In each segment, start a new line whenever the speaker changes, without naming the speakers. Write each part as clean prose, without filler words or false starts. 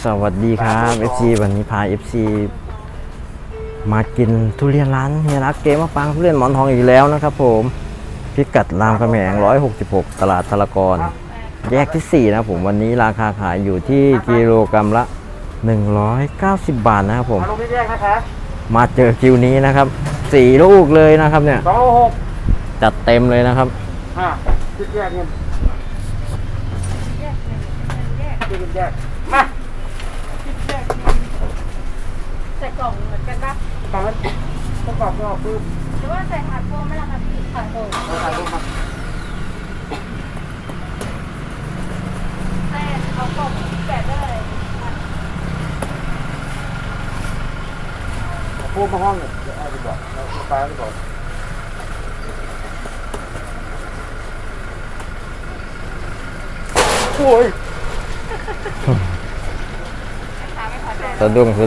สวัสดีครับ FC วันนี้พา FC มากินทุเรียนร้านเฮียรักเกมมะปรางทุเรียนหมอนทองอีกแล้วนะครับผมพิกัดรามคำแหง166ตลาดธารกรแยกที่4นะผมวันนี้ราคาขายอยู่ที่กิโลกรัมละ190 บาทนะครับผมมาเจอคิวนี้นะครับ4ลูกเลยนะครับเนี่ย2.6จัดเต็มเลยนะครับ
คิดแยกเงินคิดแยกมา
ใส่กล่องเหมือนกันปะ
กล่องนั้นต้องกรอบก็ปึ๊บ
หรือว่าใส่ถาดโฟมไม่ละคะพี่ถาดโฟม
ถ่ายรูปมา
ใส่เอากล่องแกะได้เลย
พูดมาห้องเนี่ยเดี๋ยวเอาไปบอกเราไปไปบอกโอ้ย
สะดุ้ง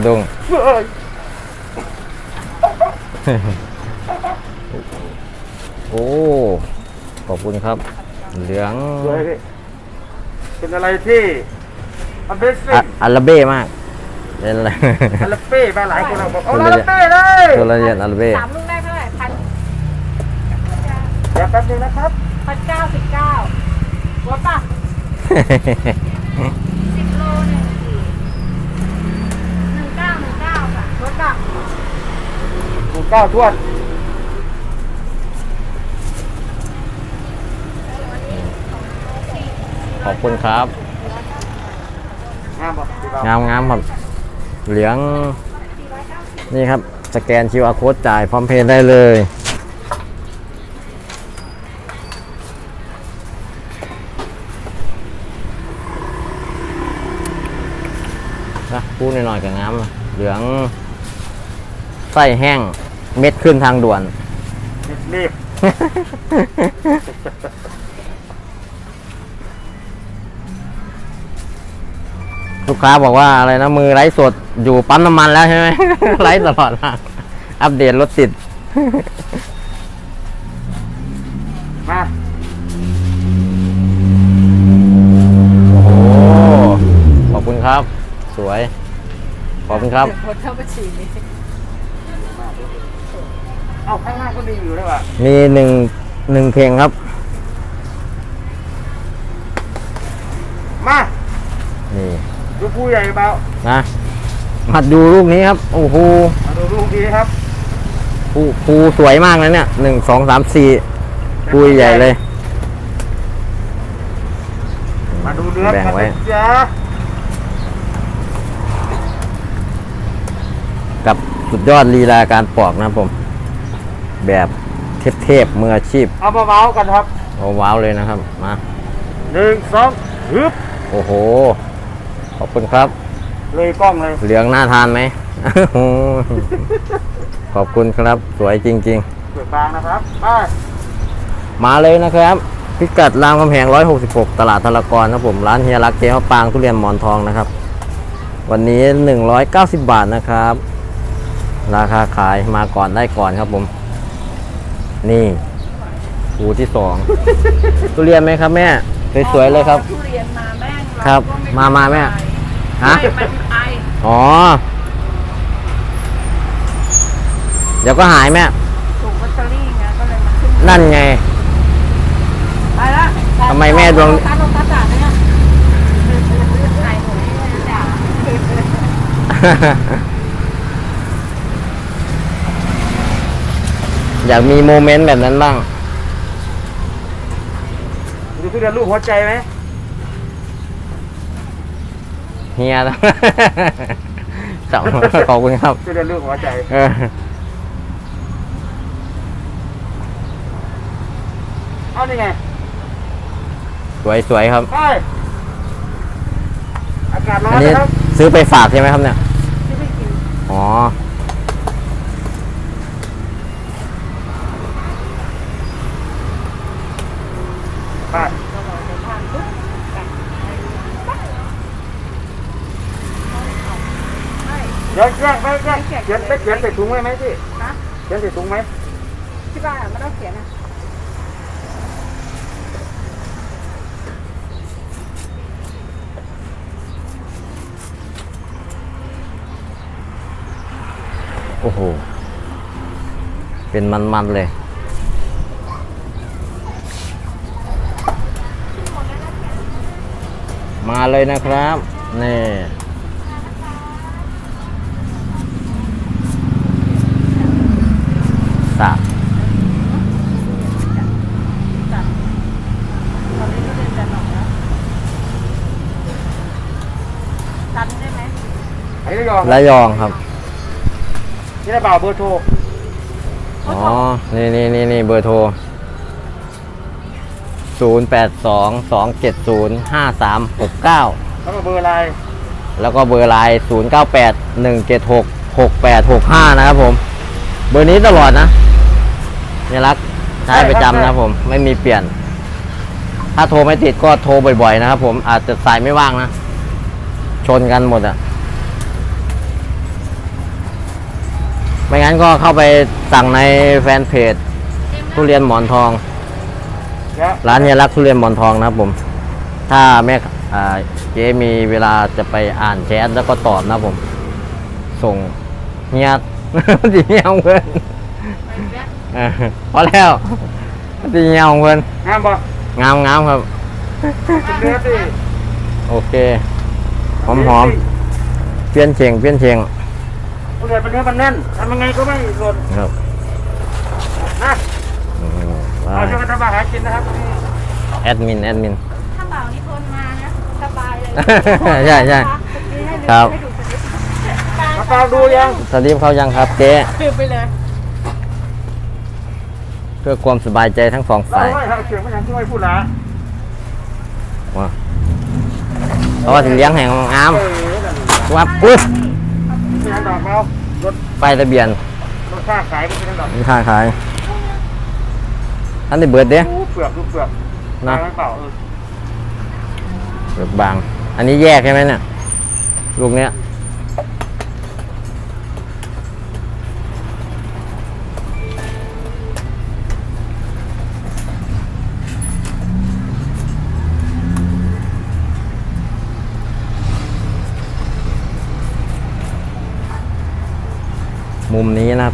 โอ้ขอบคุณครับเหลือง
เป็นอะไรที่
อัลเบ้มากเป็นอะไร
อัลเบ้มาหลายคนเราบอกเอาอัลเบ้เลย
ทุเรียนอัลเบ้
3 ลูกได้เท่าไหร่1,000
เดี๋ยวแป๊บนึงนะครับ
1,099ลดป่ะ10 โลเนี่ย19ค่ะลดป่ะ
19ถ้วน
ขอบคุณครับ
งาม
ครับเหลืองนี่ครับสแกน QR Code จ่ายพร้อมเพย์ได้เลยนะพูดหน่อยๆกับงามเหลืองไส้แห้งเม็ดขึ้นทางด่วน
รีบ
ลูกค้าบอกว่าอะไรนะมือไร้สดอยู่ปั๊มน้ำมันแล้วใช่ไหม ไร้ตลอดอัปเดตรถติด
มา
โอ้โหขอบคุณครับสวยขอบคุณครับ
หมดเข้าบัญชีนี้
เอาข้างหน้าก็มีอยู่ด้วยว่ะ
มีหนึ่งเข่งครับ
มา
นี่
ดูผู้ใหญ่เบา
นะมาดูลูกนี้ครับโอ้โห
มาดูลูกนี้ครับ
ภูสวยมากนะเนี่ย1 2 3 4ภูใหญ่เลย
มาดูเนื้อ
แบ่งไว้
จ้า
กับสุดยอดลีลาการปอกนะผมแบบเทพมืออาชีพ
เอามาเมาส์กันครับ
เอาว้าวเลยนะครับมา
1 2ฮึบ
โอ้โหขอบคุณครับ
เลยกล้องเลย
เหลืองน่าทานไหม ขอบคุณครับสวยจริง
ๆสวยบางนะครับ
มาเลยนะครับพิกัดรามคำแหง166ตลาดธารกรนะผมร้านเฮียรักเจ๊มะปรางทุเรียนหมอนทองนะครับวันนี้190 บาทนะครับราคาขายมาก่อนได้ก่อนครับผมนี่ภูที่2ทุเรียนไหมครับแม่สวยๆเลยครับ
ทุเรียนมาแม่ง
ครับมาแม่ฮะอ๋อเดี๋ยวก็หายแม่
ถูกลอตเตอรี่ไงก็เลยมาขึ้น
นั่นไง
ไปละ
ทำไมแม่ดวง
ตาลงตาจ่าเนี่ยใส่หัวให้จ่า
อยากมีโมเมนต์แบบนั้นบ้าง
ดูทุเรียนลูกหัวใจไหม
เฮียสองขอบคุณครับ
ทุเรียนลูกหัวใจเอานี่ไง
สวยครับ
อากาศร้อ
นนะครับซื้อไปฝากใช่ไหมครับเนี่ย
ที่ไม่กิน
อ๋อ
ไปแยกไม่แยกเขียนใส่ถุงไว้ไหมพี่เขียนใส่ถุงไหม
ที่บ้านไม่ต้องเขียนนะ
ม
อ้โห เป็นมันๆเลย มาเลยนะครับ นี่สับ
ตอนนี้ก็เรียนจะหนอกแล้วทันได้ไหม
ไอ้ระยอง
ระยองครับ
นี่ได้เปล่าเบอร์โทร
อ๋อ นี่เบอร์โทร 0822705369
แล้วก็เบอร์ไลน์
แล้วก็เบอร์ไลน์0981766865 นะครับผม เบอร์นี้ตลอดนะเนี่ยรักใช้ประจำนะครับผม ไม่มีเปลี่ยน ถ้าโทรไม่ติดก็โทรบ่อยๆนะครับผม อาจจะสายไม่ว่างนะ ชนกันหมดอ่ะ ไม่งั้นก็เข้าไปสั่งในแฟนเพจทุเรียนหมอนทอง
แล้ว
ร้านเฮียรักทุเรียนหมอนทองนะครับผม ถ้าแม่เจ๊มีเวลาจะไปอ่านแชทแล้วก็ตอบนะครับผม ส่งเฮีย ดีเฮียของเพื่อนพอแล้วดีเฮียของเพื่อน
ห้ามบ่
งามครับ
เนื้อสิ
โอเค หอมเปลี่ยนเชียง
ทุเรียนเป็นเนื้อมันแน่นทำยังไงก็ไม่หล่น
ครับ
นะ
อืม
เอาช่วยกันทำมาหากินนะครับนี่
แอดมิน
ถ้าเปล่านี่ทนมานะสบายเลย
ใช่ครับ
มาฟังดูยัง
สลิปเขายังครับเจ๊
ดื่มไปเลย
เพื่อความสบายใจทั้งสอง
เรา
ฝ่าย
ไม่ทำเสียงไม่ยังช่วยพูดละ
ว้าเพราะว่าถึงเลี้ยงแห่งงาม
นั่น
วับอุ้ย
ไม่ยังดอกเรารถ
ป้ายทะเบียน
รถค่าขายไม่ใช่ดอก
มีค่าขายอันนี้เบิดเด้
ดูเปลือกดูเปลือก
นะ
ไม่เปล่า
เบิดบาง อันนี้แยกใช่ไหมเนี่ยลูกเนี้ยมุมนี้นะครับ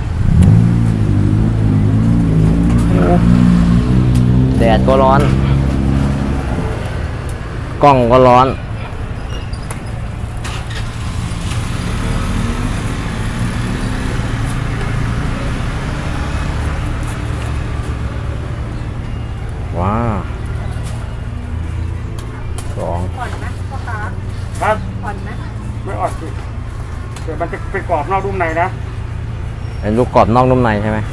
แดดก็ร้อน กล้องก็ร้อน ว้าวสอง
ผ่อนนะพ่อค้า
ครับ
ผ่อนนะ
ไม่อดสิเดี๋ยวมันจะไปกรอบนอกรุ่มในนะ
เป็นลูกกรอบนอกนุ่มในใช่ไหม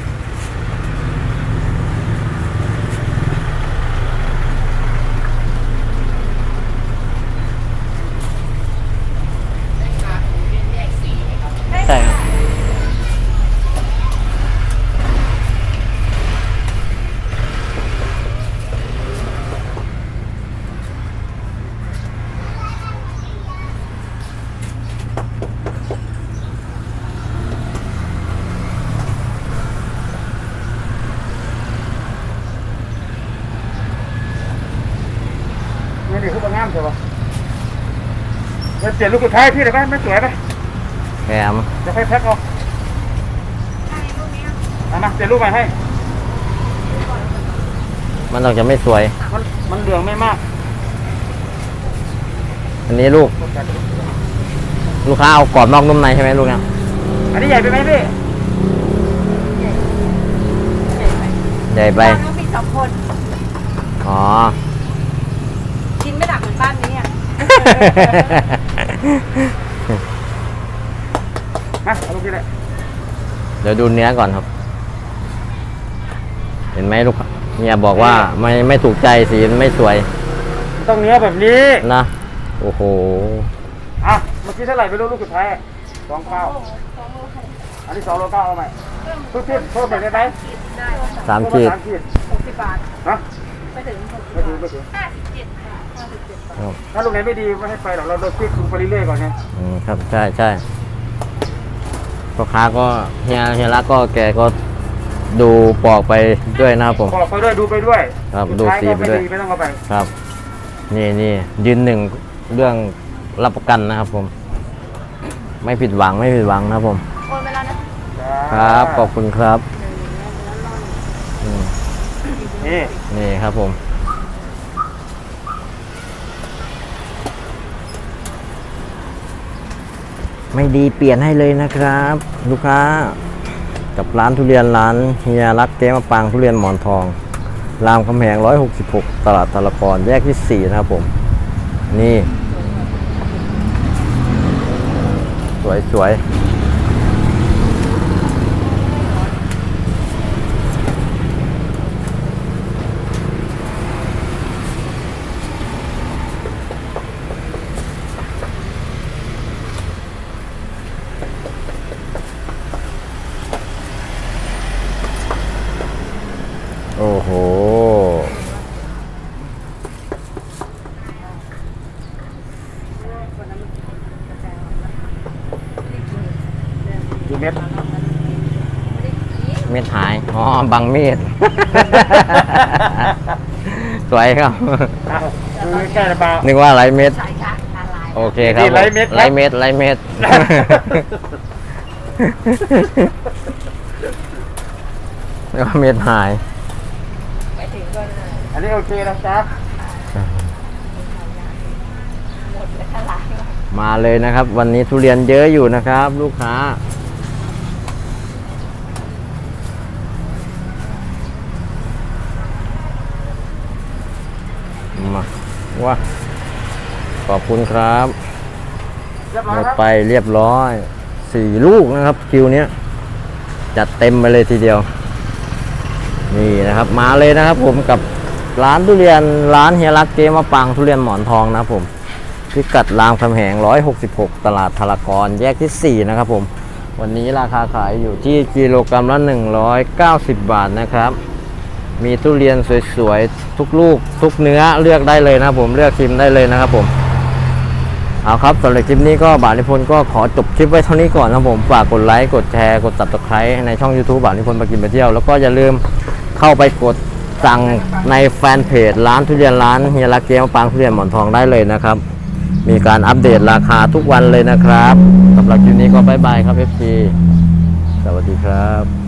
ใช่ครับ
นี่ดิคือมันงามใช่ปะแล้วเปลี่ยนลูกสุดท้ายพี่ได้ไหมไม่สวยไหม
แถม
จะให้แพ็คเอา
ใช่พวกนี้
เอามาเปลี่ยนลูกใหม่ให้
มันออกจะไม่สวย
มันเหลืองไม่มาก
อันนี้ลูกค้าเอากรอบนอกนุ่มในใช่ไหมลูกเนี่ย
อันนี้ใหญ่ไปไหมพี่
ใหญ่ไป
บ้านก็มีสองคน
อ๋อ
กินไม่หนักเหมือนบ้านนี้อ่ะ
มาเอาลูกที่ไหน
เดี๋ยวดูเนื้อก่อนครับ เห็นไหมลูกเนี่ยบอกว่าไม่ถูกใจสีมันไม่สวย
ต้องเนื้อแบบนี้
นะ โอ้โห
อ่ะเมื่อกี้เท่าไหร่ไม่รู้ลูกสุดท้าย2 อันนี้2.9เอาใหม่ทุกที่เพิ่มไปได้ไหม
ได้
สามขีด
3 ขีด
60 บาท
ฮะ
ไปถึง60
ไม่ถึงไม่ถึง
57 บาท
ครับ
ถ้าลูกไหนไม่ดีไม่ให้ไปหรอกเราคลิกดูไปเรื่อยๆก่อนไง
ครับใช่พ่อค้าก็เฮียรักก็แกก็ดูปอกไปด้วยนะครับผม
บอกไปด้วยดูไปด้วย
ครับ
สุ
ดู
ท้าย
สี
ก็
ไป
ไม่
ด้วย
ดีไม่ต้องเอาไป
ครับ นี่ยืนหนึ่งเรื่องรับประกันนะครับผม ไม่ผิดหวังนะครับผม
โอนมา
ครับ ขอบคุณครับอืม
นี่
นี่ครับผม ไม่ดีเปลี่ยนให้เลยนะครับ ลูกค้ากับร้านทุเรียนร้านเฮียรักเจ๊มะปางทุเรียนหมอนทอง รามคำแหง166 ตลาดตะละกรแยกที่ 4 นะครับผม นี่ สวยๆ โอ้โห
กี่เม็ด
เม็ดหาย อ๋อ บังเม็ด สวยครับ
อ้าวดูใกล้ๆนะเปล่า
นึกว่าไรเม็ด
ใช่ค่ะอะไร
โอเคครับ
นี่ไรเม็ดครับ
ไรเม็ดไรเม็ด นึกว่าเม็ดหาย
ไปถึงก็
อันนี้โอเคนะจ๊ะ
หมดเลยอะไร
มาเลยนะครับ วันนี้ทุเรียนเยอะอยู่นะครับ ลูกค้า มาว้าขอบคุณครับ
เรียบ
ห
ร้อ
ม
ย
ด
ครับ
ไปเรียบร้อย 4 ลูกนะครับคิวเนี้ยจัดเต็มไปเลยทีเดียว นี่นะครับมาเลยนะครับผมกับร้านทุเรียนร้านเฮียรักเจ๊มะปางทุเรียนหมอนทองนะครับผมพิกัดรามคำแหง166 ตลาดทารากรแยกที่ 4 นะครับผมวันนี้ราคาขายอยู่ที่กิโลกรัมละ190 บาทนะครับมีทุเรียนสวยๆทุกลูกทุกเนื้อเลือกได้เลยนะครับผมเลือกชิมได้เลยนะครับผมเอาครับสำหรับคลิปนี้ก็บ่าวนิพนธ์ก็ขอจบคลิปไว้เท่านี้ก่อนนะครับผมฝากกดไลค์กดแชร์กด Subscribe ในช่อง YouTube บ่าวนิพนธ์มากินไปเที่ยวแล้วก็อย่าลืมเข้าไปกดสั่งในแฟนเพจร้านทุเรียนร้านเฮียรักเจ๊มะปางทุเรียนหมอนทองได้เลยนะครับมีการอัปเดตราคาทุกวันเลยนะครับสำหรับคลิปนี้ก็บ๊ายบายครับ FC สวัสดีครับ